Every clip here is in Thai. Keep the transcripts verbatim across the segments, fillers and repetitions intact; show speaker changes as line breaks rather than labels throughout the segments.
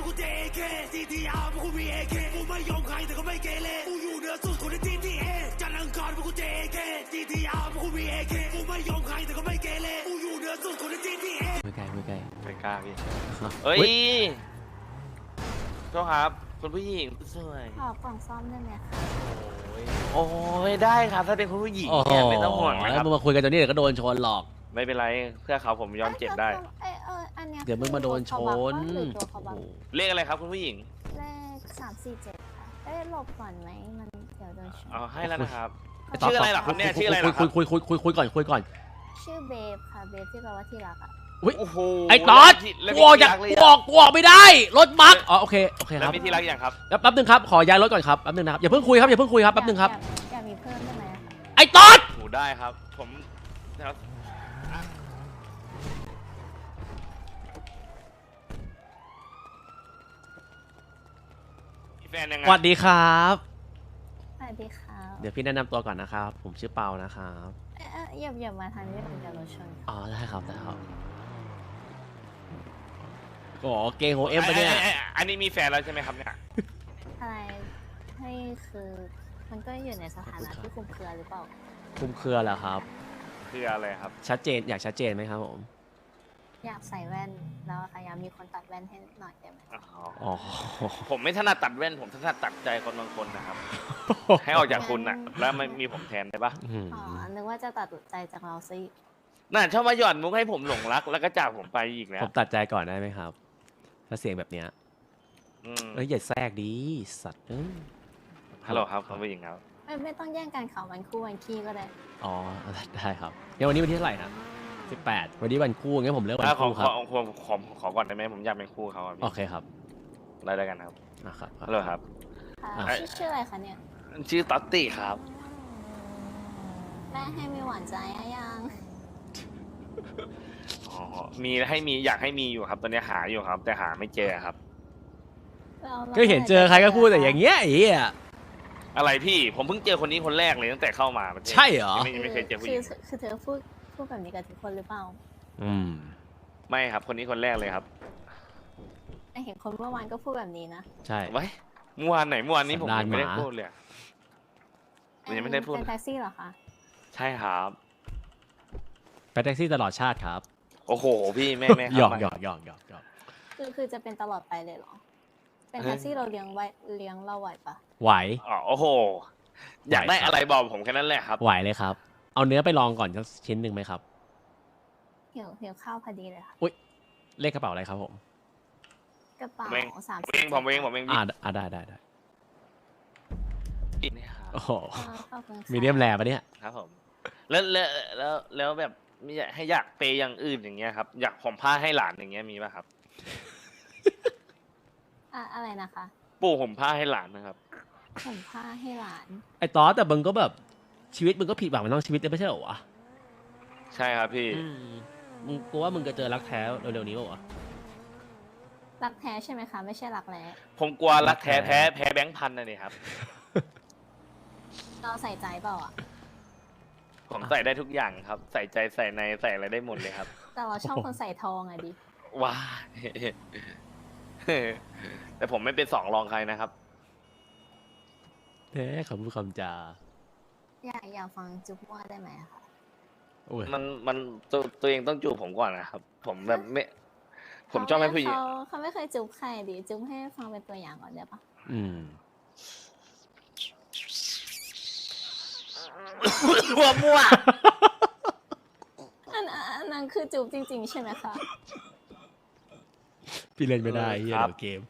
กูเจเคซีทีอาร์พวกกูมีเอเคกูไม่ยอมใครแต่ก็ไม่เกเรกูอยู่เหนือสุดคนในทีทีเอจันทร์อังคารพวกกูเจเคซีทีอาร์พวกกูมีเอเคกูไม่ยอมใครแต่ก็ไม่เกเรกูอยู่เหนือสุดคนในทีทีเอ
ไม่ไกลไม่ไกล
ไม่กล้าพี่เอ้ยโทษครับคุณผู้หญิงสวย
ขอกล่องซ่อมได้ไหมคะ
โอ้ยได้ครับถ้าเป็นคุณผู้หญิงเนี่ยไม่ต้องห่วงนะครับ
มึงมาคุยกันตอนนี้เดี๋ยวก็โดนชนหรอก
ไม่เป็นไรเพื่อเขาผมยอมเจ็บได้
เออเอออันเนี้ย
เดี๋ยวมึงมาโดนชน
เลขอะไรครับคุณผู้หญิง
เลขสามสี่เจ็ดค่ะเอ้ยหลบก่อนไหมมันเดี๋ยวโดนชน
เอาให้แล้วนะครับชื่ออะไรหรอครับเนี่ยชื่ออะไรหรอค
คุ
รั
ย
บ
คุยคุยคุยคุยก่อนคุยก่อน
ชื่อเบฟค่ะเบฟที่แปลว่าที่รักอ่ะ
โอ้โห
ไอ้ตอดกูออกจากกูออกกูออกไม่ได้รถบั๊กอ๋อโอเคโอเคครับ
แล้วมีที่รักอย่างครับ
แป๊บนึงครับขอย้ายรถก่อนครับแป๊บนึงนะครับอย่าเพิ่งคุยครับอย่าเพิ่งคุยครับแป๊บนึงครับ
อยากมีเพิ่มได้ไหม
ไอ้ตอด
โอ้ได้ครับผมนะครับแฟนยังไง
สวัสดีครับ
สวัสดีครับ
เดี๋ยวพี่แนะนำตัวก่อนนะครับผมชื่อเปานะครับ
เอออย่าอย่ามาทางนี้ผมจะรถชน
อ๋อได้ครับได้ครับโอ้เกงโฮเอ็มไปเนี่ย
อันนี้มีแฟนแล้วใช่ไหมครับเนี่ย
อะไรให้คือมันก็อยู่ในสถานะที่คุมเครือหรือเปล่า
คุมเครือเหรอครับ
คืออะไรครับ
ชัดเจนอยากชัดเจนไหมครับผม
อยากใส่แว่นแล้วพยายามมีคนตัดแว่นให้หน่อยได้ไหม
อ๋อ
ผมไม่ถนัดตัดแว่นผมถนัดตัดใจคนบางคนนะครับให้ออกจากคุณน่ะแล้วไม่มีผมแทนได้ปะ
อ๋อนึกว่าจะตัดใจจากเราซิ
น่าชอบมาหย่อนมุกให้ผมหลงรักแล้วก็จากผมไปอีกแล้ว
ผมตัดใจก่อนได้ไหมครับถ้าเสียงแบบเนี้ยเอ้ยอย่าแทรกดีสัตว์
ฮัลโหลครับคุณผู้หญิงครับ
ไม่ไม่ต้องแย่งกันข่าววันคู่วันขี้ก็ได้
อ๋อได้ครับเดี๋ยววันนี้วันที่เท่าไหร่นะสิบแปดวันนี้วันคู่งั้นผมเลือกวันคู่ครับ
ขอขอขอขอก่อนได้ไหมผมอยากเป็นคู่เขา
โอเคครับ
ได้ได้กันครับ
นะครับ
ฮัลโหลครับ
ชื่อชื่ออะไรคะเนี่ย
ชื่อต๊อตตี้ครับ
แม่ให้มีหวานใจยัง
อ๋อมีให้มีอยากให้มีอยู่ครับตอนนี้หาอยู่ครับแต่หาไม่เจอครับ
ก็เห็นเจอใครก็พูดแต่อย่างเงี้ยไอ้เหี้ย
อะไรพี่ผมเพิ่งเจอคนนี้คนแรกเลยตั้งแต่เข้ามา
ใช่เหรอ
ไม่ไม่เคยเจอผู้หญิง
คือเธอพูดพูดแบบนี้กับทุกคนหรือเปล่า
อืม
ไม่ครับคนนี้คนแรกเลยครับ
เห็นคนเมื่อวานก็พูดแบบนี้นะ
ใช่
ไว้เมื่อวานไหนเมื่อวานนี้ผมยังไม่ได้พูดเลยยังไม่ได้พูด
เป็นแท็กซี่เหรอคะ
ใช่ครับ
ไปแท็กซี่ตลอดชาติครับ
โอ้โหพี่แม่แม่
หยอกหยอกหยอกหยอกหยอก
คือคือจะเป็นตลอดไปเลยเหรอเป็นแท็กซี่เราเลี้ยงไว้เลี้ยงเราไหวปะ
ไหว
อ๋อโอ้โหอยากได้อะไรบอกผมแค่นั้นแหละครับ
ไหวเลยครับเอาเนื้อไปลองก่อนสักชิ้นหนึ่งไหมครับ
เหี่ยวเหี่ยวข้าวพอดีเลยค่ะ
อุ้ยเลขกระเป๋าอะไรครับผม
กระเป๋าสาม
เองผมเองผมเอง
อ่าอ่าได้ได้ได้
นี่ครับ
โอ้โหมีเดียมแรปะเนี่ย
ครับผมแล้วแล้วแล้วแล้วแบบไม่อยากให้อยากเปย์อย่างอื่นอย่างเงี้ยครับอยากผมผ้าให้หลานอย่างเงี้ยมีป่ะครับ
อะอะไรนะคะ
ปู่ผมผ้าให้หลานนะครับ
ผมผ้าให้หลาน
ไอ้ต๊อดแต่มึงก็แบบชีวิตมึงก็ผิดหวังมันต้องชีวิตไม่ใช่เหรอวะ
ใช่ครับพี่
มึงกลัวว่ามึงจะเจอรักแท้เร็วๆนี้ป่ะวะ
รักแท้ใช่ไหมคะไม่ใช่รักแร้
ผมกลัวรักแท้แพ้แพ้แบงค์พันนะนี่ครับ
เราใส่ใจเปล่าอ่ะ
ผมใส่ได้ทุกอย่างครับใส่ใจใส่ในใส่อะไรได้หมดเลยครับ
แต่เราชอบคนใส่ทองอะดิ
ว้าแต่ผมไม่เป็นสองรองใครนะครับ
แท้คำพูดคำจา
อยากอยากฟังจุ๊บว่าได้ไหมคะ
มันมันตัวตัวเองต้องจูบผมก่อนนะครับผมแบบไม่ผมชอบให้ผู้หญิง
เขาไม่เคยจุ๊บใครดิจุ๊บให้ฟังเป็นตัวอย่างก่อนได้ปะ
อืม
มั่วมั่ว
อันนั้นคือจูบจริงๆใช่ไหมคะ
พี่เล่นไม่ได้เฮียเดี๋ยวเกม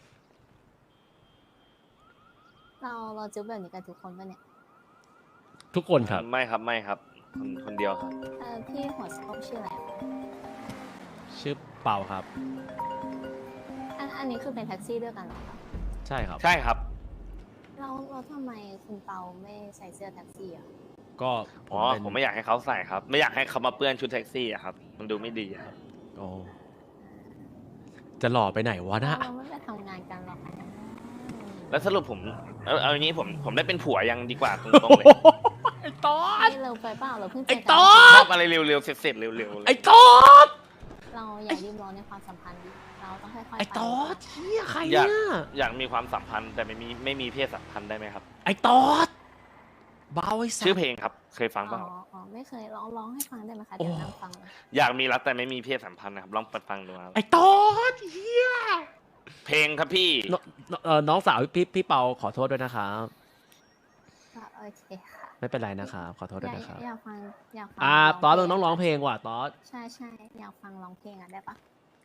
เราเราจูบแบบนี้กันทุกคนปะเนี่ย
ทุกคนครับ
ไม่ครับไม่ครับคนคนเดียวครับ
เออพี่หัวส้มชื่ออะไร
ชื่อเปาครับ
อันอันนี้คือเป็นแท็กซี่ด้วยกันเหรอคะ
ใช่ครับ
ใช่ครับ
เราเราทำไมคุณเปาไม่ใส่เสื้อแท็กซี่อ่ะ
ก็
อ๋อผมไม่อยากให้เขาใส่ครับไม่อยากให้เขามาเปื้อนชุดแท็กซี่อะครับมันดูไม่ดีครับ
โอ้จะหล่อไปไหนวะนะ
เราไม่ไปทำงานกันหรอก
แล้วสรุปผมเอาเอาอย่างนี้ผมผมได้เป็นผัวยังดีกว่าตรงๆเลย
ไอ้ต๊อด
เราไปเปล่าเราเพิ่ง
ไอ้ต๊อด
ชอบอะไรเร็วๆเสร็จๆเร็วๆ
ไอ้ต๊อด
เเราอย่ารีบร้อนในความสัมพันธ์ดิเราต้องค่อยๆ
ไอ้
ไป
ตอดเชี่ยใคร
อยาก
เนี่ย
อยากมีความสัมพันธ์แต่ไม่มีไม่มีเพศสัมพันธ์ได้ไหมครับ
ไอ้ตอดเบาไอ้สั
ชื่อ
ส
เพลงครับ เคยฟัง
อ๋
เป
อ
ล่า
อ๋อไม่เคยร้องร้องให้ฟังได้ไหมคะ
โอ้
เดี๋ยวนั่งฟังเลย
อยากมีรักแต่ไม่มีเพศสัมพันธ์นะครับลองเปิดฟังดูครับ
ไอ้ตอดเฮีย
เพลงครับพี่
นนเอ่อน้องสาวพี่พี่เปาขอโทษด้วยนะครับ
ก็โอเคค่ะ
ไม่เป็นไรนะครับขอโทษ
อ
ด้วย
ยาก
นะครับ
อยากฟังอยากฟัง
อ่าตอดมึงต้องร้อง
ะ
เพลงว่ะตอด
ใช่ใช่อยากฟังร้องเพลงอ่ะได้ปะ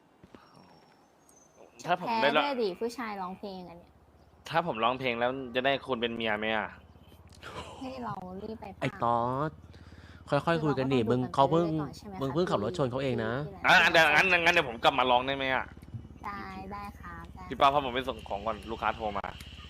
ถ้าผม
แพ้
ได้ร้อง
ด้วยดิผู้ชายร้องเพลงอันเนี้ย
ถ้าผมร้องเพลงแล้วจะได้คุณเป็นเมียไหมอ่ะ
ให้เรารีบไป
ไอ้
ฟัง
ตอดค่อยๆคุยกันดิมึงเขาเพิ่งมึงเพิ่งขับรถชนเขาเองนะ
อ่ะเดี๋ยวงั้นงั้นเดี๋ยวผมกลับมาร้องได้ไหมอ่ะ
ได้ได้ครับได้
พี่ป้าพาผมไปส่งของก่อนลูกค้าโทรมา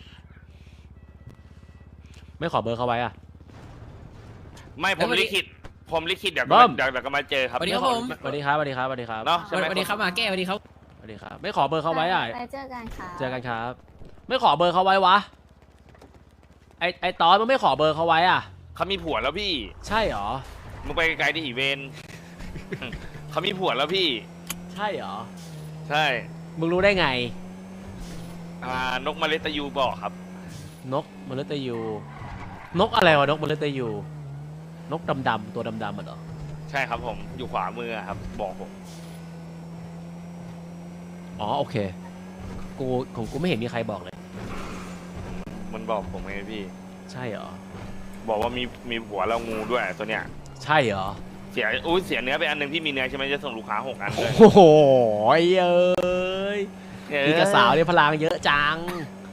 ไม่ขอเบอร์เขาไว้อ่ะ
ไม่ผมลิขิตผมลิขิตเดี๋ยว
เบิ้
ก็
ม
เดี๋ยวเดี๋ยวก็มาเจอครับ
สวัสดีครับผม
สวัสดีครับสวัสดีครับสวัสดีครับ
เนาะ
สวัสดีครับมาแก้สวัสดีครับ
สวัสดีครับ ไม่ขอเบอร์เขาไว้อ่ะ
ไปเจอกันค่ะ
เจอกันครับ ไม่ขอเบอร์เขาไว้วะไอไอตอดมันไม่ขอเบอร์เขาไว้อ่ะ
เขามีผัวแล้วพี่
ใช่เหรอ
มึงไปไกลๆดิอีเวน เขามีผัวแล้วพี่
ใช่เหรอ
ใช่
มึงรู้ได้ไง
อ่านกเมล็ดตะยูบอกครับ
นกมฤตยู นกอะไรวะนกมฤตยู นกดำๆตัวดำๆมันเหรอ
ใช่ครับผมอยู่ขวามือครับ บอกผม
อ๋อโอเค กูของกูไม่เห็นมีใครบอกเลย
มันบอกผมไงพี่
ใช่เหรอ
บอกว่ามีมีผัวแล้วงูด้วยตัวเนี้ย
ใช่เหรอ
เสียอุ้ยเสียเนื้อไปอันหนึ่งพี่มีเนื้อใช่ไหมจะส่งลูกค้าหกอันเลย
โอ้โหไอ้เอ้ยนี่กระสาวเนี่ยพลังเยอะจัง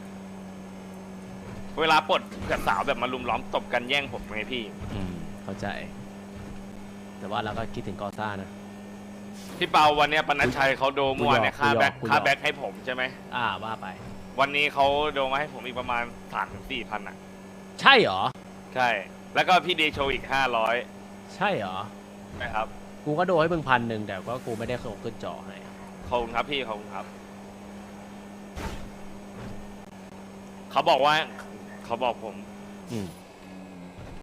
เวลาปลดกับสาวแบบมาลุมล้อมตบกันแย่งผมไงพี่
อืมเข้าใจ แต่ว่าเราก็คิดถึงกอซ่านะ
พี่เปาวันเนี้ยปนัชชัยเขาโดมั่วเนี่ย
กู
ค่าย
อม
แบ็ค
กูยอม
ค่าแบ็คให้ผมใช่ไหม
อ่าว่าไป
วันนี้เขาโดมาให้ผมอีกประมาณสามถึงสี่พันอ่ะ
ใช่เหรอ
ใช่ แล้วก็พี่เดโชอีกห้าร้อย
ใช่เหรอ
นะครับ
กูก็โดนให้มึงพันหนึ่งแต่ก็กูไม่ได้ส่งขึ้นจอให้
ขอบคุณครับพี่ขอบคุณครับ เขาบอกว่าเขาบอกผม
อืม